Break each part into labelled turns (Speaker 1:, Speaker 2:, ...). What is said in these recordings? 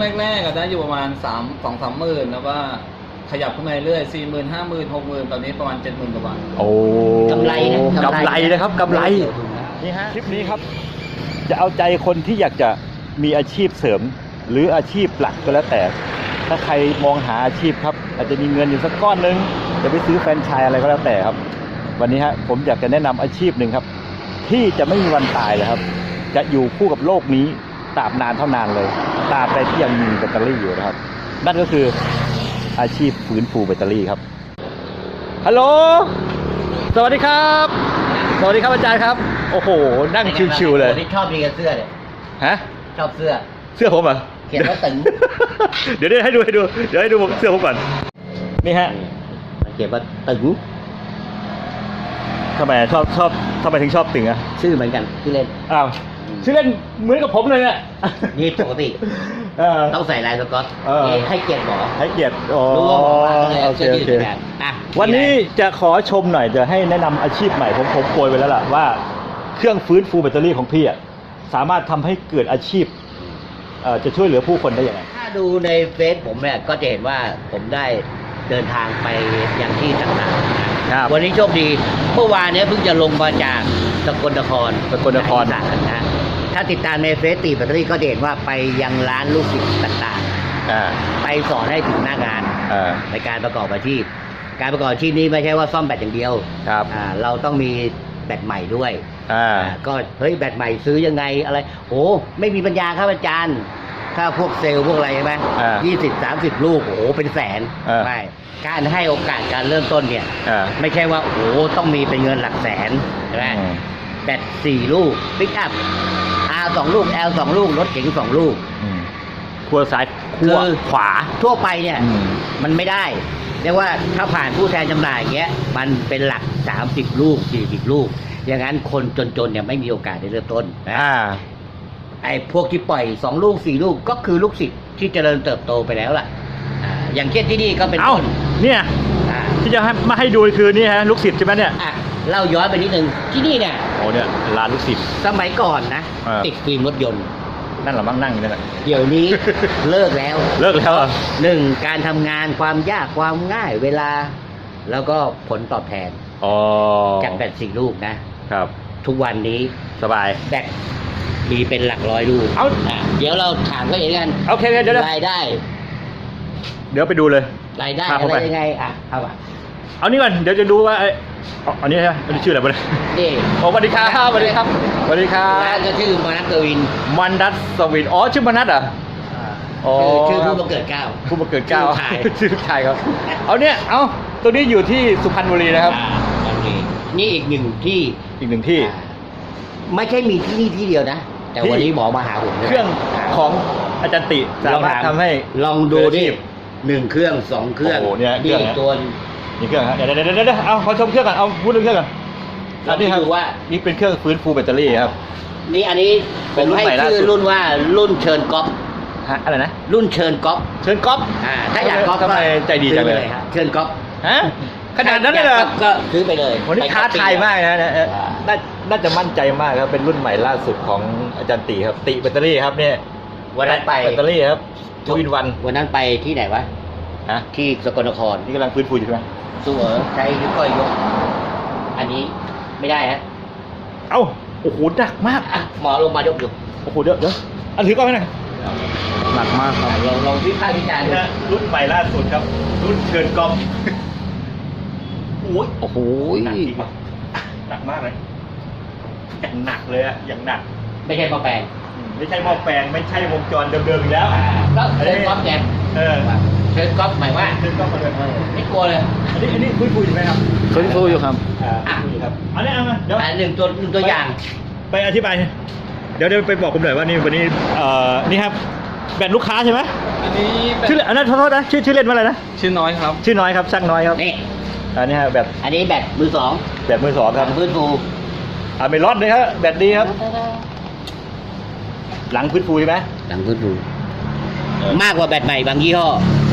Speaker 1: แรกๆก็ได้อยู่ประมาณ2-3 หมื่นแล้วก็ขยับขึ้นมาเรื่อย40,000 50,000 60,000ตอนนี้ประมาณ70,000 กว่าบาท
Speaker 2: โอ้
Speaker 3: กำไรนะ
Speaker 2: กำไรนะครับกำไรนี่ฮะคลิปนี้ครับจะเอาใจคนที่อยากจะมีอาชีพเสริมหรืออาชีพหลักก็แล้วแต่ถ้าใครมองหาอาชีพครับอาจจะมีเงินอยู่สักก้อนนึงจะไปซื้อแฟรนไชส์อะไรก็แล้วแต่ครับวันนี้ฮะผมอยากจะแนะนำอาชีพหนึ่งครับที่จะไม่มีวันตายเลยครับจะอยู่คู่กับโลกนี้ตราบนานเท่านานเลยตราบใดที่ยังมีแบตเตอรี่อยู่นะครับนั่นก็คืออาชีพฟื้นฟูแบตเตอรี่ครับฮัลโหลสวัสดีครับสวัสดีครับอาจารย์ครับโอ้โหนั่งชิวๆเลย
Speaker 3: นี่ชอบดีกับเสื้อเลย
Speaker 2: ฮะ
Speaker 3: ชอบเสื้อ
Speaker 2: เสื้อผมเหรอ
Speaker 3: เขียนว่าตึง
Speaker 2: เดี๋ยวให้ดูเดี๋ยวให้ดูเสื้อผมก่อนนี่ฮะ
Speaker 3: เขียนว่าตึง
Speaker 2: ทำไมชอบทำไมถึงชอบตึงอ่ะ
Speaker 3: ชื่อเหมือนกันที่เล่น
Speaker 2: อ้าวชื่อเล่นเหมือนกับผมเลยเนี่ย
Speaker 3: นี่ปกติ ต้องใส่ลายสก๊อตให้เกียรติหมอ
Speaker 2: ให้เกียรติอ๋อ
Speaker 3: รู้ว่าหมอมาก็เลย
Speaker 2: โอ
Speaker 3: เอา
Speaker 2: เค
Speaker 3: เสื้อ
Speaker 2: โอ
Speaker 3: ยืด
Speaker 2: เค
Speaker 3: แทนอ่ะ
Speaker 2: วันนี้จะขอชมหน่อยจะให้แนะนำอาชีพใหม่ผมโปรยไว้แล้วล่ะว่าเครื่องฟื้นฟูแบตเตอรี่ของพี่อ่ะสามารถทำให้เกิดอาชีพจะช่วยเหลือผู้คนได้ยังไง
Speaker 3: ถ้าดูในเฟซผมเนี่ยก็จะเห็นว่าผมได้เดินทางไปยังที่ต่างๆ
Speaker 2: ครับ
Speaker 3: วันนี้โชคดีเมื่อวานเนี้ยเพิ่งจะลงมาจากสกลนคร
Speaker 2: สกลนคร
Speaker 3: อีสานนะถ้าติดตามในเฟซตีแบตเตอรี่ก็จะเห็นว่าไปยังร้านลูกศิษย์ต่างๆ ไปสอนให้ถึงหน้างานในการประกอบอาชีพการประกอบอาชีพนี้ไม่ใช่ว่าซ่อมแบตอย่างเดียว
Speaker 2: ครับ
Speaker 3: เราต้องมีแบตใหม่ด้วย ก็เฮ้ยแบตใหม่ซื้อยังไงอะไรโอ้ไม่มีปัญญาครับอาจารย์ถ้าพวกเซลล์พวกอะไรใช่ไหม20-30 ลูกโอ้โหเป็นแสนไม่การให้โอกาสการเริ่มต้นเนี่ยไม่ใช่ว่าโอ้โหต้องมีเป็นเงินหลักแสนใช่ไหมแบต4 ลูกปิกอัพ R 2 ลูก L 2 ลูกรถเก๋ง2 ลูก
Speaker 2: ขั้วซ้ายขั้วขวา
Speaker 3: ทั่วไปเนี่ยมันไม่ได้เรียกว่าถ้าผ่านผู้แทนจำหน่ายอย่างเงี้ยมันเป็นหลัก30 ลูก40 ลูกอย่างนั้นคนจนๆเนี่ยไม่มีโอกาสได้เริ่มต้นนะไอ้พวกที่ปล่อย2 ลูก4 ลูกก็คือลูกศิษย์ที่เจริญเติบโตไปแล้วล่ะอย่างเช่นที่นี่ก็เป็นต้น
Speaker 2: เนี่ยที่จะมาให้ดูคือนี่ฮะลูกศิษย์ใช่ไหมเนี่ย
Speaker 3: เล่าย้อนไปนิดนึงที่นี่เนี่ย
Speaker 2: โอ้เนี่ยร้านลูกศิษย์
Speaker 3: สมัยก่อนนะติดฟิล์มรถยนต์
Speaker 2: นั่นเหรอมั่งนั่งอยู่นั่นแหละ
Speaker 3: เดี๋ยวนี้ เลิกแล้วหนึ่งการทำงานความยากความง่ายเวลาแล้วก็ผลตอบแทนจากแบต4 ลูกนะครับทุกวันนี้
Speaker 2: สบาย
Speaker 3: แบตมีเป็นหลักร้อยลูกเดี๋ยวเราถามเขาเองกัน
Speaker 2: โอเคเดี๋ยว
Speaker 3: รายได้
Speaker 2: เดี๋ยวไปดูเลย
Speaker 3: รายได้อะไรยังไงเอา
Speaker 2: เอานี่ก่อนเดี๋ยวจะดูว่าอันนี้ใช่ไหมอันนี้ชื่ออะไรบ้าง
Speaker 3: นี่
Speaker 2: สวัสดีครับสวัสดีครับสวัสดีครับ
Speaker 3: ร้านก็ชื่อมนัสกวิน
Speaker 2: ชื่อมนัสเหรอ
Speaker 3: ชื่อผู้บังเกิดเกล้า
Speaker 2: ชื่อชายครับเอาเนี่ยตัวนี้อยู่ที่สุพรรณบุรีนะครับ
Speaker 3: นี่อีกหนึ่งที่ไม่ใช่มีที่นี่ที่เดียวนะแต่วันนี้หมอมาหาผม
Speaker 2: เครื่องของอาจารย์ติสามารถทำให้
Speaker 3: ลองดูดิ1 เครื่อง2 เครื่อง
Speaker 2: นี่
Speaker 3: ตัว
Speaker 2: นี่เครื่องครับเดี๋ยวเอาขอชมเครื่องก่อนเอาพูดเรื่องเครื่องก่อนอันนี้ครับว่านี่เป็นเครื่องฟื้นฟูแบตเตอรี่ครับ
Speaker 3: นี่อันนี้เป็นรุ่นใหม่ล่าสุดรุ่นว่ารุ่นเชิญก๊อฟ
Speaker 2: อะไรนะ
Speaker 3: รุ่นเชิญก๊อฟถ้าอยากก๊อฟ
Speaker 2: ทำไมใจดีจังเลย
Speaker 3: เชิญก๊อฟ
Speaker 2: ขนาดนั้นเลยเหรอ
Speaker 3: ก็ซื้อไปเลย
Speaker 2: วันนี้ท้าทายมากนะน่าจะมั่นใจมากครับเป็นรุ่นใหม่ล่าสุดของอาจารย์ติครับติแบตเตอรี่ครับเนี่ย
Speaker 3: วันนั้นไป
Speaker 2: แบตเตอรี่ครับ2-in-1
Speaker 3: วันนั้นไปที่ไหนวะที่สกลนคร
Speaker 2: นี่กำลังฟื้นฟูอยู่ใช่ไหม
Speaker 3: สู้ใช้นิ้วก้อยยกอันนี้ไม่ได้ฮะ
Speaker 2: โอ้โหหนักมาก
Speaker 3: หมอลงมายกอยู่
Speaker 2: โอ้โหเดี๋ยวอันถือกล้องให้หน่อยหนักมากครับ
Speaker 3: ลองวิพากษ์วิจารณ์
Speaker 2: รุ่นใหม่ล่าสุดครับรุ่นเชิญกล้อง
Speaker 3: โอ้โห
Speaker 2: หนักมากเลยอย่างหนักเลยอะอย่างหนัก
Speaker 3: ไม่ใช่หม้อแปลง
Speaker 2: ไม่ใช่หม้อแปลงไม่ใช่วงจรเดิมๆอีกแล้ว
Speaker 3: ก็เชิญก๊อฟแกเชิญก๊อฟหมายว่า
Speaker 2: เชิญก๊อฟมาเลย
Speaker 3: ไม่กลัวเลย
Speaker 2: อันนี้ฟื้นฟูอยู่ไหมครับ
Speaker 1: ฟื้นฟูอยู่ครับ
Speaker 2: อันนี้เอามาเดี๋ยว
Speaker 3: หนึ่งตัวอย่าง
Speaker 2: ไปอธิบายเดี๋ยวไปบอกผมหน่อยว่านี่วันนี้นี่ครับแบตลูกค้าใช่ไหม
Speaker 1: อันนี้
Speaker 2: ชื่ออันนั้นโทษนะชื่อเล่นว่าอะไรนะ
Speaker 1: ชื่อน้อยครับ
Speaker 2: ชื่อน้อยครับช่างน้อยครับ
Speaker 3: นี่
Speaker 2: อันนี้ฮะแบต
Speaker 3: อันนี้แบตมือ 2
Speaker 2: แบตมือ 2ครับ
Speaker 3: ฟื้นฟู
Speaker 2: ไม่ร้อนเลยครับแบตดีครับหลังฟื้นฟูใช่ไหม
Speaker 3: หลังฟื้นฟูมากกว่าแบตใหม่บางยี่ห้อ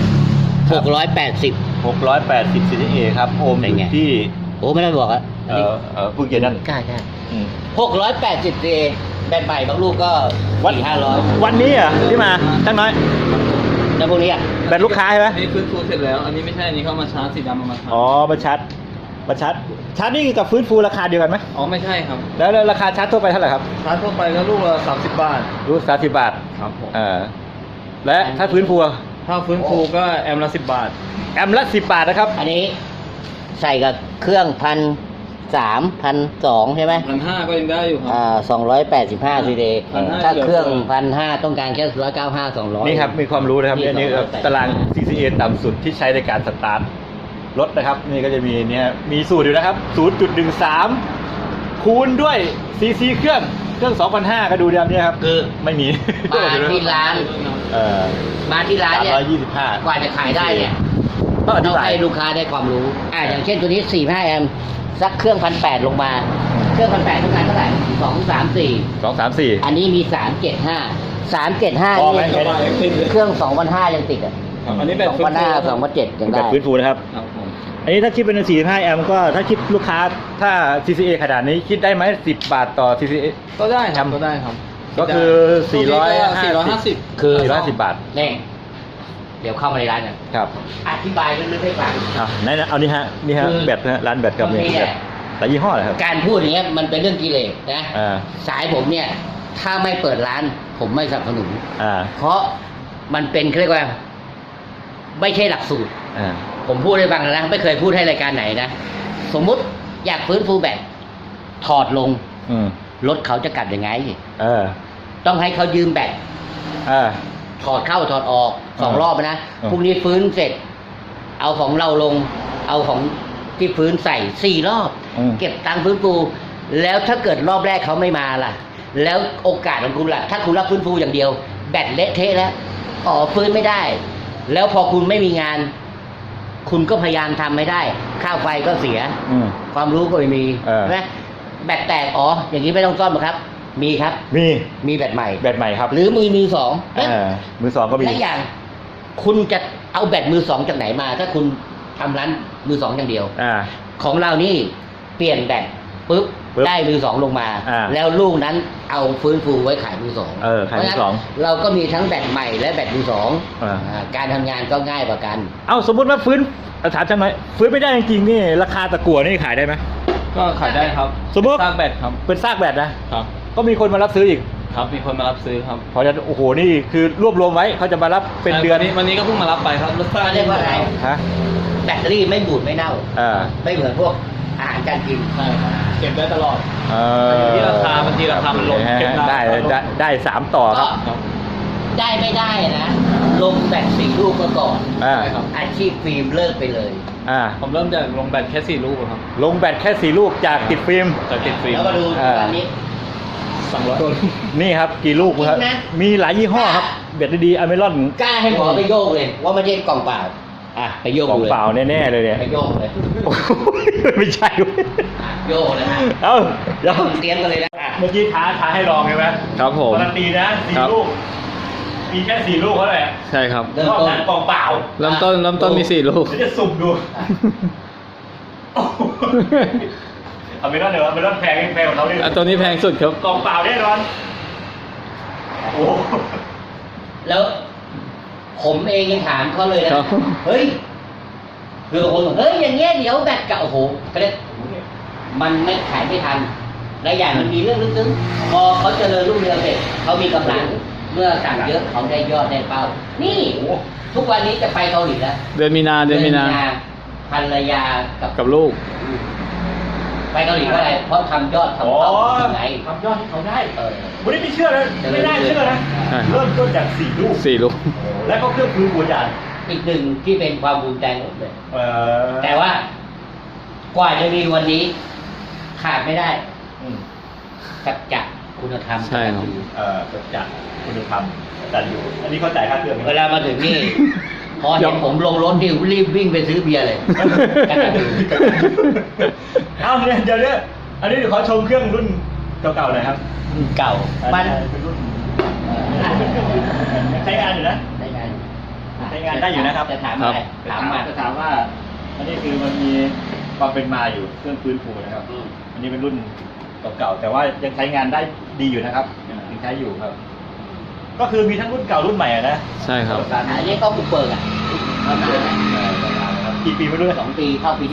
Speaker 3: 680
Speaker 2: CCA ครับโอห์มที่
Speaker 3: ไม่ได้บอก
Speaker 2: เพิ่งเย็นนั่น
Speaker 3: ใช่680 CA แบตใหม่บางลูกก็
Speaker 2: วัน
Speaker 3: 400-500
Speaker 2: วันนี้เหรอที่มาตั้งน้อย
Speaker 3: แล้วพวกนี้อ่ะ
Speaker 2: แบตลูกค้าใช่ไหม
Speaker 1: อันนี้ฟื้นฟูเสร็จแล้ว อันนี้ไม่ใช่อันนี้เข้ามาชาร์จสีดำเอามาชาร์จ
Speaker 2: อ๋อมาชาร์จนี่กับฟื้นฟูราคาเดียวกันไหม
Speaker 1: อ๋อไม่ใช่ครับ
Speaker 2: แล้วราคาชาร์จทั่วไปเท่าไหร่ครับ
Speaker 1: ชาร์จทั่วไปก็ลูกละ30 บาท
Speaker 2: รู้30 บาท
Speaker 1: ครับผม
Speaker 2: และถ้าฟื้นฟู
Speaker 1: ถ้าฟื้นฟูก็แอมละ10 บาท
Speaker 2: แอมละ10 บาทนะครับ
Speaker 3: อันนี้ใส่กับเครื่อง1,300-1,200ใช่ไหม
Speaker 1: 1,500ก็ยังได้อยู่ครับ
Speaker 3: 285ซีเดย์
Speaker 1: 1,500
Speaker 3: ถ้าเครื่อง1,500ต้องการแค่195-200
Speaker 2: นี่ครับมีความรู้นะครับ
Speaker 3: นี่
Speaker 2: อันนี้
Speaker 3: 280
Speaker 2: ตาราง CCA ต่ำสุดที่ใช้ในการสตาร์ทรถนะครับ นี่ก็จะมีเนี่ยมีสูตรอยู่นะครับ 0.13 คูณด้วย CC เครื่อง 2,500 ก็ดูเดี๋ยวนี้ครับ
Speaker 3: คือ
Speaker 2: ไม่มี
Speaker 3: มาที่ร้าน มาที่ร้านเนี่ย
Speaker 2: 325
Speaker 3: กว่าจะขายได้เนี่ย
Speaker 2: ต้องอธิ
Speaker 3: ต้อง
Speaker 2: บาย
Speaker 3: ให้ลูกค้าได้ความรู้อย่างเช่นตัวนี้45แอมป์สักเครื่อง1,800ลงมา เครื่อง1,800ต้องการเท่าไหร่234
Speaker 2: 234
Speaker 3: อันนี้มี375
Speaker 2: พอไหม
Speaker 3: นี่เครื่อง2,500ยังติดอ่ะ
Speaker 1: ครับอันนี้แบบฟื้นฟู
Speaker 3: 2,500 2,700ยัง
Speaker 2: แบ
Speaker 3: ได้
Speaker 2: บฟื้นฟูนะครับ
Speaker 1: ครับผม
Speaker 2: อันนี้ถ้าคิดเป็น45 แอมป์ก็ถ้าคิดลูกค้าถ้า CCA ขนาดนี้คิดได้ไหม10 บาทต่อ CCA
Speaker 1: ก็ได้ครับก็ได้ครับ
Speaker 2: ก็คือ
Speaker 1: 450
Speaker 3: คือ
Speaker 2: 450 บาท
Speaker 3: นี่เดี๋ยวเข้ามาในร้านกัน
Speaker 2: ครับ
Speaker 3: อธิบายลึกๆให้ฟัง
Speaker 2: ไหนนะเอานี่ฮะแบตนะฮะร้านแบตกับ
Speaker 3: บางที
Speaker 2: เนี่ย
Speaker 3: เนี่ย
Speaker 2: แต่ยี่ห้ออะไรครับ
Speaker 3: การพูดอย่างเงี้ยมันเป็นเรื่องกิเลสนะ
Speaker 2: อ่า
Speaker 3: สายผมเนี่ย ถ้าไม่เปิดร้าน ผมไม่สนับสนุน เพราะมันเป็นเรียกว่า ไม่ใช่หลักสูตร ผมพูดให้ฟังนะไม่เคยพูดให้รายการไหนนะสมมุติอยากฟื้นฟูแบตถอดลงรถเขาจะกลับยังไงต้องให้เขายืมแบตถอดเข้าถอดออก2 รอบนะพรุ่งนี้ฟื้นเสร็จ เอาของเราลง เอาของที่ฟื้นใส่4 รอบ เก็บตังค์ฟื้นฟูแล้วถ้าเกิดรอบแรกเขาไม่มาล่ะ แล้วโอกาสของคุณล่ะถ้าคุณรับฟื้นฟูอย่างเดียว แบตเละเทะแล้วฟื้นไม่ได้ แล้วพอคุณไม่มีงาน คุณก็พยายามทำไม่ได้ค่าไฟก็เสียความรู้ก็ไม่มีใช่ไหมแบตแตกอย่างนี้ไม่ต้องซ่อมหรอกครับ มีครับมีแบตใหม่
Speaker 2: ครับ
Speaker 3: หรือมือสอง
Speaker 2: มือสองก็มี
Speaker 3: และอย่างคุณจะเอาแบตมือสองจากไหนมา ถ้าคุณทำร้านมือสองอย่างเดียวของเรานี่เปลี่ยนแบตปุ๊บได้มือสองลงมาแล้วลูกนั้นเอาฟื้นฟูไว้ขายมือสอง
Speaker 2: ขายมือสอง
Speaker 3: เราก็มีทั้งแบตใหม่และแบตมือสองการทำงานก็ง่ายกว่ากัน
Speaker 2: สมมติว่าถามฉันหน่อยฟื้นไม่ได้จริงๆนี่ราคาตะกั่วนี่ขายได้ไหม
Speaker 1: ก็ขายได้ครับ
Speaker 2: สมมติ
Speaker 1: ซากแบตครับ
Speaker 2: เป็นซากแบตนะครับก็มีคนมารับซื้ออีก
Speaker 1: ครับมีคนมารับซื้อครับ
Speaker 2: เพราะฉะนั้นโอ้โหนี่คือรวบรวมไว้เขาจะมารับเป็นเดือน
Speaker 1: วันนี้ก็เพิ่งมารับไปครับรถไฟ
Speaker 3: เรียกว่าอะไรแบตเตอรี่ไม่บูดไม่เน่าไม่เหมือนพวกอาหารการกิน
Speaker 1: เก็บได้ตลอดอยู่ที่ราคาบางทีราคามันลงเก็บ
Speaker 2: ได้3 ต่อครับ
Speaker 3: ได้ไม่ได้นะลงแบต4 ลูกมาก่อนอาชีพฟิล์มเลิกไปเลย
Speaker 1: ผมเริ่มจากลงแบตแค่4 ลูกครับ
Speaker 2: ลงแบตแค่4 ลูกจากติดฟิล์ม
Speaker 3: แล้วก็ดูตอนนี้
Speaker 1: 200 ต้น
Speaker 2: นี่ครับกี่ลูกครับมีหลายยี่ห้อครับแบตดีอเมรอน
Speaker 3: กล้าให้หมอไปโยกเลยว่าไม่ใช่กล่องเปล่าไปโยก
Speaker 2: กล่องเปล่าแน่ๆเลยเนี่ย
Speaker 3: ไปโยกเลย
Speaker 2: ไม่ใช่
Speaker 3: โยกเลย
Speaker 2: เดี๋ยว
Speaker 3: เตรียมกันเลยนะ
Speaker 2: เมื่อกี้ท้าให้ลองใช่ไหม
Speaker 1: ครับผม
Speaker 2: การันตีนะ4 ลูกมีแค่4 ลูกเท่านั้นแหละ
Speaker 1: ใช่ครับ
Speaker 2: เริ่มต้นกล่องเปล่า
Speaker 1: เริ่มต้นมี4 ลูก
Speaker 2: จะสุ่มดูอเมรอนแพงกว่าเขาดิ
Speaker 1: ตัวนี้แพงสุดครับ
Speaker 2: กล่องเปล่าแน่นอนโอ้
Speaker 3: แล้วผมเองยังถามเขาเลยนะเฮ้ยคือคนบอกเฮ้ยอย่างเงี้ยเดี๋ยวแบตเก่าก็เลยมันไม่ขายไม่ทันและอย่างมันมีเรื่องลึกซึ้งพอเขาเจริญรุ่งเรืองเสร็จเขามีกำลังเมื่อสั่งเยอะเขาได้ยอดได้เป้านี่ทุกวันนี้จะไปเกาหลีแล้ว
Speaker 1: เดือนมีนา
Speaker 3: ภรรยา
Speaker 1: กับลูก
Speaker 3: ไปเกาหลีเพราะอะไรเพราะทำยอดทำเป้าไง
Speaker 2: ทำยอดให้เขาได้วันนี้ไม่เชื่อเลยไม่ได้เชื่อนะเริ่มต้นจาก4 ลูกแล้วก็เครื่องฟื้นฟูจาน
Speaker 3: อีกหนึ่งที่เป็นความภูมิใจผมเลยแต่ว่ากว่าจะมีวันนี้ขาดไม่ได้สัจจะคุณธรรม
Speaker 1: ใช่ครับ
Speaker 2: สัจจะคุณธรรมอาจารย์อยู่อันนี้เขาจ่ายค่าเครื่อง
Speaker 3: เวลามาถึงนี่พอเห็นผมลงรถนี่รีบวิ่งไปซื้อเบียร์เลย
Speaker 2: เดี๋ยวอันนี้เดี๋ยวขอชมเครื่องรุ่นเก่าๆหน่อยครับ
Speaker 3: เก่า
Speaker 2: มันเป็นรุ่นใช้งานอยู่นะใช้งานได้อยู่นะครับ
Speaker 3: จะถามว่า
Speaker 2: อันนี้คือมันมีความเป็นมาอยู่เครื่องฟื้นฟูนะครับอันนี้เป็นรุ่นเก่าๆแต่ว่ายังใช้งานได้ดีอยู่นะครับยังใช้อยู่ครับ ก็คือมีทั้งรุ่นเก่ารุ่นใหม่อะนะ
Speaker 1: ใช่ครับ
Speaker 3: อันนี้ก็บุกเบิกอ่ะทำนานแล้ว
Speaker 2: กี่ปีไม่รู้เลย
Speaker 3: 2 ปีเข้าปีที่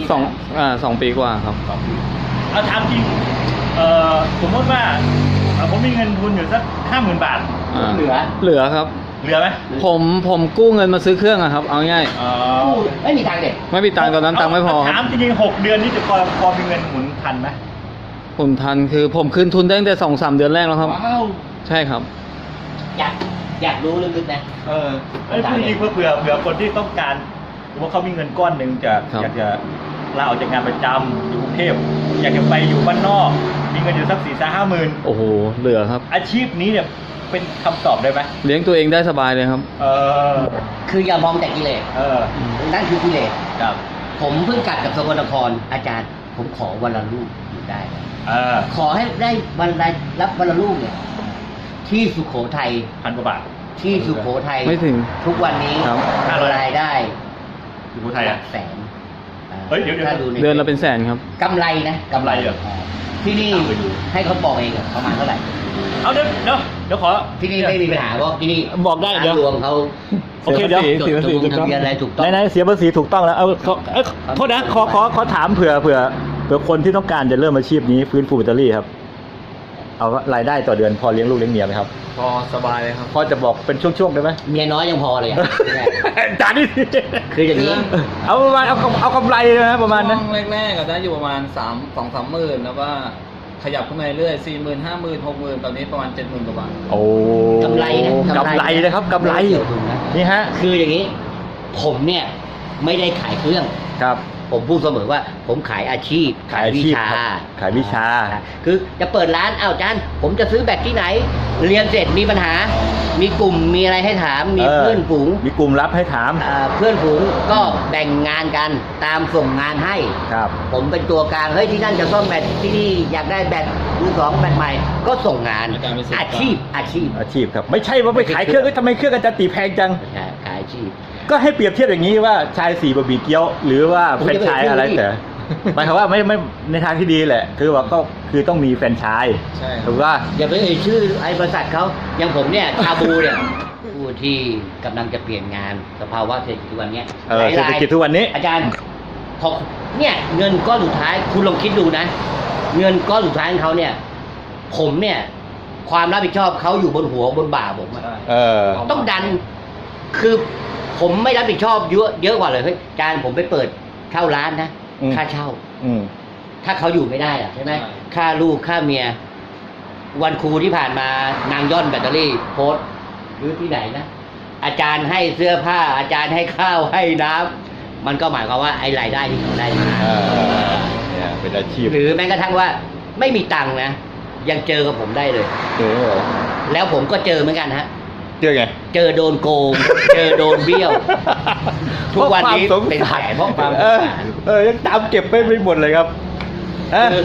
Speaker 1: 2 ปีกว่าครับ
Speaker 2: เอาถามจริงสมมติว่าผมมีเงินทุนอยู่สัก50,000 บาท
Speaker 3: เหลือ
Speaker 1: เหลือครับ
Speaker 2: เหลือไหม
Speaker 1: ผมกู้เงินมาซื้อเครื่องอะครับ เอาง่าย
Speaker 3: ไม่มีทางเด็ด
Speaker 1: ไม่มีตังค์ตอนนั้นตังค์ไม่พอค
Speaker 2: ถา
Speaker 1: รับ
Speaker 2: มจริงๆ6 เดือนนี้จะพอมีเงินหมุนทันไหม
Speaker 1: ผมทันคือผมคืนทุนได้ตั้งแต่2-3 เดือนแรกแล้วครับ
Speaker 2: ว้าว
Speaker 1: ใช่ครับ
Speaker 3: อยากรู้ลึกๆนะ
Speaker 2: ไอ้พูดจริงเผื่อคนที่ต้องการหรือว่าเขามีเงินก้อนหนึ่งจะ
Speaker 1: ครับ
Speaker 2: อยากจะลาออกจากงานประจำอยู่กรุงเทพอยากจะไปอยู่บ้านนอก มีเงินอยู่สัก4-5 หมื่น
Speaker 1: โอ้โหเหลือครับ
Speaker 2: อาชีพนี้เนี่ยเป็นคำตอบได้ไหม
Speaker 1: เลี้ยงตัวเองได้สบายเลยครับ
Speaker 3: คืออย่ามองแต่กิเลส นั่นคือกิเลส
Speaker 2: ครับ
Speaker 3: ผมเพิ่งกลับจากสกลนครอาจารย์ ผมขอวันละลูกอยู่ได้ ขอให้ได้วันละรับวันละลูกเนี่ย ที่สุโขทัย
Speaker 2: 1,000 กว่าบาท
Speaker 3: ที่สุโขทัย
Speaker 1: ไม่ถึง
Speaker 3: ทุกวันนี้
Speaker 1: ครับ
Speaker 3: รายได้
Speaker 2: สุโขทัย
Speaker 3: ห
Speaker 2: อ่ะ
Speaker 3: ลักแสน
Speaker 2: เฮ้ยเดี๋ยว
Speaker 3: ถ้าดูใน
Speaker 1: เดือนละเป็นแสนครับ
Speaker 3: กำไรนะ
Speaker 2: กำไรเหรอ
Speaker 3: ที่นี่ให้เขาบอกเองอะประมาณเท่าไหร่
Speaker 2: เอาเดี๋ยวขอ
Speaker 3: ที่นี่ไม่มีปัญหาเพราะที่นี่
Speaker 2: บอกได้เดี๋ยว
Speaker 3: ทางหลวงเขา
Speaker 2: โอเคเดี๋ยว
Speaker 3: จดทะเบียนทะเบียนอะไรถูกต้อง
Speaker 2: ไหนๆเสียภาษีถูกต้องแล้วโทษนะขอถามเผื่อคนที่ต้องการจะเริ่มอาชีพนี้ฟื้นฟูแบตเตอรี่ครับ เอารายได้ต่อเดือนพอเลี้ยงลูกเลี้ยงเมียไหมครับ
Speaker 1: พอสบายเลยครับ
Speaker 2: พอจะบอกเป็นช่วงๆได้ไหม
Speaker 3: เมียน้อยยังพอเลยอะ
Speaker 2: จานนี่
Speaker 3: คืออย่างนี้
Speaker 2: เอาประมาณเอากำไรนะประมาณนั้น
Speaker 1: ช่วงแรกๆก็ได้อยู่ประมาณ2-3 หมื่นแล้วก็ขยับขึ้นมาเรื่อย40,000 50,000 60,000ตอนนี้ประมาณ70,000 กว่าบาท
Speaker 2: โอ้
Speaker 3: กำไรนะ
Speaker 2: กำไรนะครับกำไร
Speaker 3: เกี่ยวทุนนะ
Speaker 2: นี่ฮะ
Speaker 3: คืออย่างนี้ ผมเนี่ยไม่ได้ขายเครื่อง
Speaker 2: ครับ
Speaker 3: ผมพูดเสมอว่าผมขายอาชีพ
Speaker 2: ขายอาชีพครับขายวิชา
Speaker 3: คือจะเปิดร้านอาจารย์ผมจะซื้อแบตที่ไหน เรียนเสร็จมีปัญหา มีกลุ่มมีอะไรให้ถาม มีเพื่อนฝูง
Speaker 2: มีกลุ่มรับให้ถาม
Speaker 3: เพื่อนฝูงก็แบ่งงานกันตามส่งงานให้
Speaker 2: ครับ
Speaker 3: ผมเป็นตัวกลางเฮ้ยที่นั่นจะซ่อมแบตที่นี่อยากได้แบตมือสองแบตใหม่ ก็ส่งงาน
Speaker 1: อาจารย์เป็นส่วนกลาง
Speaker 3: อาชีพ
Speaker 2: ครับไม่ใช่ว่าไปขายเครื่องทำไมเครื่องอาจารย์ตีแพงจัง
Speaker 3: ขายอาชีพ
Speaker 2: ก็ให้เปรียบเทียบอย่างนี้ว่าชาย4บะหมี่เกี๊ยว หรือว่าแฟรนไชส์อะไรแต่หมายความว่าไม่ในทางที่ดีแหละ คือว่าก็คือต้องมีแฟรนไชส์
Speaker 1: ใช่ครับ
Speaker 2: ถูกว่า
Speaker 3: อย่าไปเอ่ยชื่อไอ้บริษัทเขาอย่างผมเนี่ยชาบูเนี่ยผู้ที่กำลังจะเปลี่ยนงานสภาวะเศรษฐกิจทุกวันเนี้ย
Speaker 2: เศรษฐกิจทุกวันนี้
Speaker 3: อาจารย์พอเนี่ยเงินก้อนสุดท้ายคุณลองคิดดูนะ เงินก้อนสุดท้ายของเขาเนี่ย ผมเนี่ยความรับผิดชอบเขาอยู่บนหัวบนบ่าผมอะ ต้องดัน คือผมไม่รับผิดชอบเยอะกว่าเลยเฮ้ยอาจารย์ผมไปเปิดเช่าร้านนะ ค่าเช่า ถ้าเขาอยู่ไม่ได้อะใช่ไหม
Speaker 1: ใช่
Speaker 3: ค่าลูกค่าเมีย วันครูที่ผ่านมานางย่อนแบตเตอรี่โพสต์หรือที่ไหนนะ อาจารย์ให้เสื้อผ้า อาจารย์ให้ข้าวให้น้ำมันก็หมายความว่าไอ้รายได้ที่เขาได้มา
Speaker 2: เนี่ยเป็นอาชีพ
Speaker 3: หรือแม้กระทั่งว่าไม่มีตังค์นะ ยังเจอกับผมได้เลย แล้วผมก็เจอเหมือนกันฮะ
Speaker 2: เจอไง
Speaker 3: เจอโดนโกง เจอโดนเบี้ยว ทุกวันนี้เป็นแผลเพราะความสงสาร
Speaker 2: ยังตามเก็บไม่หมดเลยครับ
Speaker 3: คือ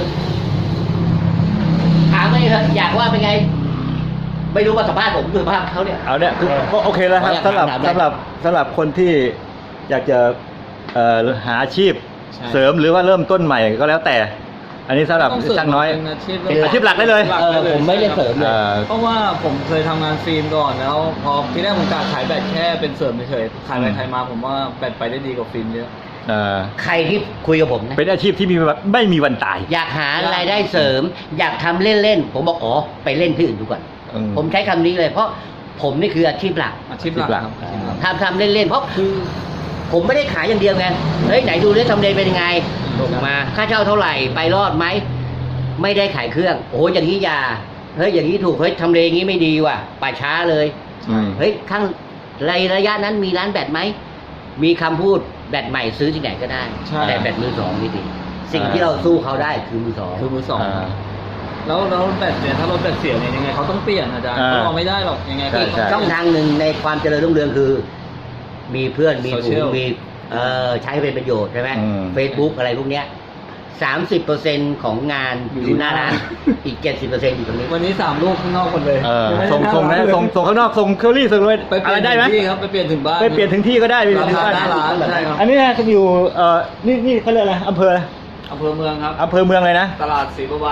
Speaker 3: ถามไปเถอะอยากว่าเป็นไง ไม่รู้ว่าสัมภาษณ์ผมหรือสัมภาษณ์เขาเนี่ย
Speaker 2: เอาเนี่ยคือก็โอเคแล้วครับ
Speaker 3: ขออนุญาต
Speaker 2: สำหรับคนที่อยากจะหาอาชีพ
Speaker 1: ใช่
Speaker 2: เสริมหรือว่าเริ่มต้นใหม่ก็แล้วแต่ อันนี้สำหรับ
Speaker 1: ต้องเสริม
Speaker 2: ช่างน้อย
Speaker 1: เป็นอาชีพ
Speaker 2: เป็นอาชีพหลักได้เลย
Speaker 3: ผมไม่ได้เสริมเลย
Speaker 1: เพราะว่าผมเคยทำงานฟิล์มก่อนแล้วพอที่แรกผมกะขายแบตแค่เป็นเสริมเฉยๆขายไปขายมาผมว่าแบตไปได้ดีกว่าฟิล์มเยอะ
Speaker 3: ใครที่คุยกับผมนะ
Speaker 2: เป็นอาชีพที่ไม่มีวันตาย
Speaker 3: อยากหารายได้เสริม อยากทำเล่นๆผมบอกอ๋อไปเล่นที่อื่นดูก่อน ผมใช้คำนี้เลย เพราะผมนี่คืออาชีพหลัก
Speaker 1: อาชีพหลักครับอาชีพหลัก
Speaker 3: ทำเล่นๆเพราะคือ ผมไม่ได้ขายอย่างเดียวไงเฮ้ยไหนดูเรื่องทำเลเป็นยังไงส่งมาค่าเช่าเท่าไหร่ไปรอดไหมไม่ได้ขายเครื่องโอ้อย่างนี้อย่าเฮ้ยอย่างนี้ถูกเฮ้ยทำเลอย่างนี้ไม่ดีว่ะป่าช้าเลยเฮ้ยข้างระยะนั้นมีร้านแบตไหมมีคำพูดแบตใหม่ซื้อที่ไหนก็ได้
Speaker 1: ใช่
Speaker 3: แต่แบตมือสองนี่ดิสิ่งที่เราสู้เขาได้คือมือสอง
Speaker 1: คือมือสองแล้วแบตเนี่ยถ้ารถแบตเสียเนี่ยยังไงเขาต้องเปลี่ยนอาจารย์เขาเอาไม่ได้หรอกยังไงก็
Speaker 2: ใช่
Speaker 3: ช่องทางหนึ่งในความเจริญรุ่งเรืองคือ มีเพื่อนมีฝูง
Speaker 1: Social
Speaker 3: มีใช้เป็นประโยชน์ใช่ไหม Facebook อะไรพวกเนี้ย 30% ของงานอยู่หน้าร้านอีก 70% อยู่ตรงนี้
Speaker 1: วันนี้3 ลูกข้างนอกหมดเลย
Speaker 2: ส่งข้างนอกส่งเคอรี่ส่งเลย
Speaker 1: ไปเป
Speaker 2: อะ
Speaker 1: ลี่
Speaker 2: ไร
Speaker 1: ยน
Speaker 2: ได้ไหม
Speaker 1: ถึงที่ครับไปเปลี่ยนถึงบ้าน
Speaker 2: ไปเปลี่ยนถึงที่ก็ได้ไปเปลี่ยนถึง
Speaker 1: รา
Speaker 2: บ้าน
Speaker 1: คาหน้าร้านใช่ครับ
Speaker 2: อันนี้นะจะอยู่นี่เขาเรียกอะไรอำเภอ
Speaker 1: อำเภอเมืองครับ
Speaker 2: อำเภอเมืองเลยนะ
Speaker 1: ตลาดศรีประวาน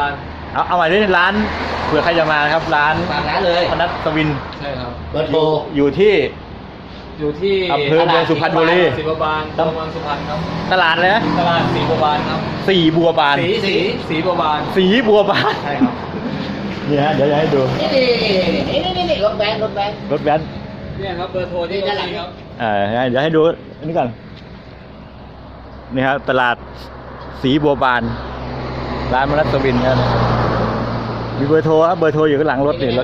Speaker 2: เอาใหม่ด้วยร้านเผื่อใครจะมานะครับ ร้าน
Speaker 3: ฝากร้านเลย
Speaker 2: พนัสวิน
Speaker 1: ใช่ครับ
Speaker 3: เบอร์โทร
Speaker 2: อยู่ที่
Speaker 1: อยู่ที่
Speaker 2: อำเภอเมืองสุพรรณบุรี
Speaker 1: ศรีบัวบานตัวเมืองสุพรรณครับ
Speaker 2: ตลาดเลยนะ
Speaker 1: ตลาดศรีบัวบานครับ
Speaker 2: สีบัวบาน
Speaker 1: สีบัวบาน
Speaker 2: สีบัวบาน
Speaker 1: ใช่ครับ
Speaker 2: นี่ฮะเดี๋ยวจะให้ดู
Speaker 3: นี่รถแบน
Speaker 2: รถแว้น
Speaker 1: เนี่ยครับเบอร์โทรที่
Speaker 3: นี่ด้านหลัง
Speaker 1: ครับ
Speaker 2: เดี๋ยวให้ดูอันนี้ก่อนนี่ครับตลาดสีบัวบานร้านมนัสวินครับมีเบอร์โทรครับเบอร์โทรอยู่ข้างหลังรถนี่รถ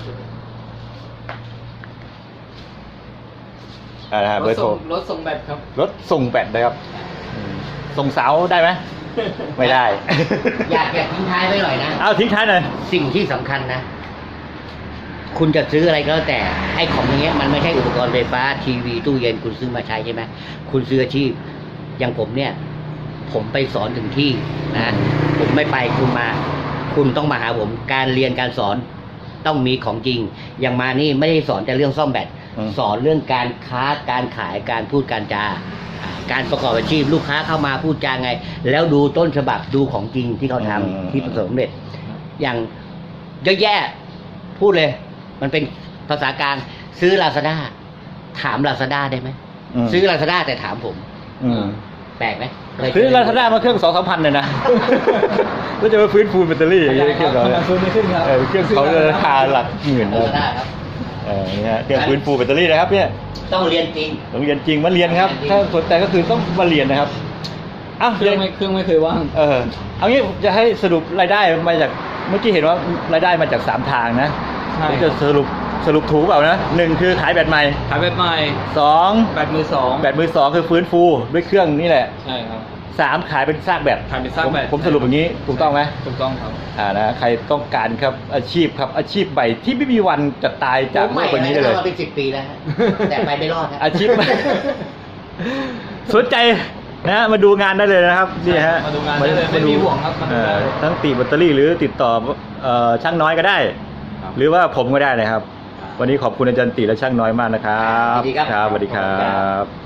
Speaker 2: เบอร์โทร
Speaker 1: รถส่งแบตครับ
Speaker 2: รถส่งแบตนะครับส่งเสาได้ไหม ไม่ได้
Speaker 3: อยากทิ้งท้ายไว้หน่อยนะ
Speaker 2: เอาทิ้งท้ายหน่อย
Speaker 3: สิ่งที่สำคัญนะ คุณจะซื้ออะไรก็แล้วแต่ไอ้ของอย่างเงี้ยมันไม่ใช่อุปกรณ์ไฟฟ้าทีวีตู้เย็นคุณซื้อมาใช้ใช่ไหมคุณซื้ออาชีพอย่างผมเนี่ย ผมไปสอนถึงที่นะผมไม่ไปคุณต้องมาหาผมการเรียนการสอนต้องมีของจริง อย่างมานี่ไม่ได้สอนแต่เรื่องซ่อมแบตสอนเรื่องการค้าการขายการพูดการจาการประกอบอาชีพลูกค้าเข้ามาพูดจาไง แล้วดูต้นฉบับดูของจริงที่เขาทำที่ประสบความสำเร็จอย่างเยอะแยะพูดเลย มันเป็นภาษากลางซื้อ Lazada ถาม Lazada ได้ไหมซื้อ Lazada แต่ถามผมแปลกไหม
Speaker 2: ซื้อลาซาด้ามาเครื่อง 2-3 พันเลยนะ แล้วจะมาฟื้นฟูแบตเตอรี่อย่างเงี้ยเครื่องเราเนี่ย
Speaker 1: ฟื้นไม่ขึ้นครับ
Speaker 2: เครื่องเขาจะราคาหลักหมื่นนะ
Speaker 3: Lazada ครับ
Speaker 2: นี่ฮะเครื่องฟื้นฟูแบตเตอรี่นะครับเนี่ย
Speaker 3: ต้องเรียนจริง
Speaker 2: ต้องเรียนจริงมาเรียนครับ ถ้าสนใจก็คือต้องมาเรียนนะครับอ้าว
Speaker 1: เครื่องไม่เคยว่าง
Speaker 2: เอางี้จะให้สรุปรายได้มาจากเมื่อกี้เห็นว่ารายได้มาจาก3ทางนะ
Speaker 1: ใช่
Speaker 2: ผมจะสรุปถูกเปล่านะ1คือขายแบตใหม่
Speaker 1: ขายแบตใหม่
Speaker 2: 2
Speaker 1: แบตมือสอง
Speaker 2: แบตมือ2คือฟื้นฟูด้วยเครื่องนี่แหละ
Speaker 1: ใช่ครับ
Speaker 2: 3ขายเป็นซากแบต
Speaker 1: ขายเป็นซากแบต
Speaker 2: ผมสรุปอย่างนี้ถูกต้องไหม
Speaker 1: ถูกต้องครับ
Speaker 2: นะใครต้องการครับอาชีพครับอาชีพใหม่ที่ไม่มีวันจะตายจากโลกใบนี้ได้เลย
Speaker 3: มาเป็น10 ปีแล้วฮะแต่ไปไม่รอดครับ
Speaker 2: อาชีพใหม่ สนใจนะมาดูงานได้เลยนะครับนี่ฮะ
Speaker 1: มาดูงานได้เลยไม่มีห่วงครับมาดูได้เลย
Speaker 2: ทั้งติดแบตเตอรี่หรือติดต่อช่างน้อยก็ได้
Speaker 1: ครับ
Speaker 2: หรือว่าผมก็ได้นะครับ วันนี้ขอบคุณอาจารย์ติและช่างน้อยมากนะครับ
Speaker 3: ยินดีครับ
Speaker 2: สวัสดีครับ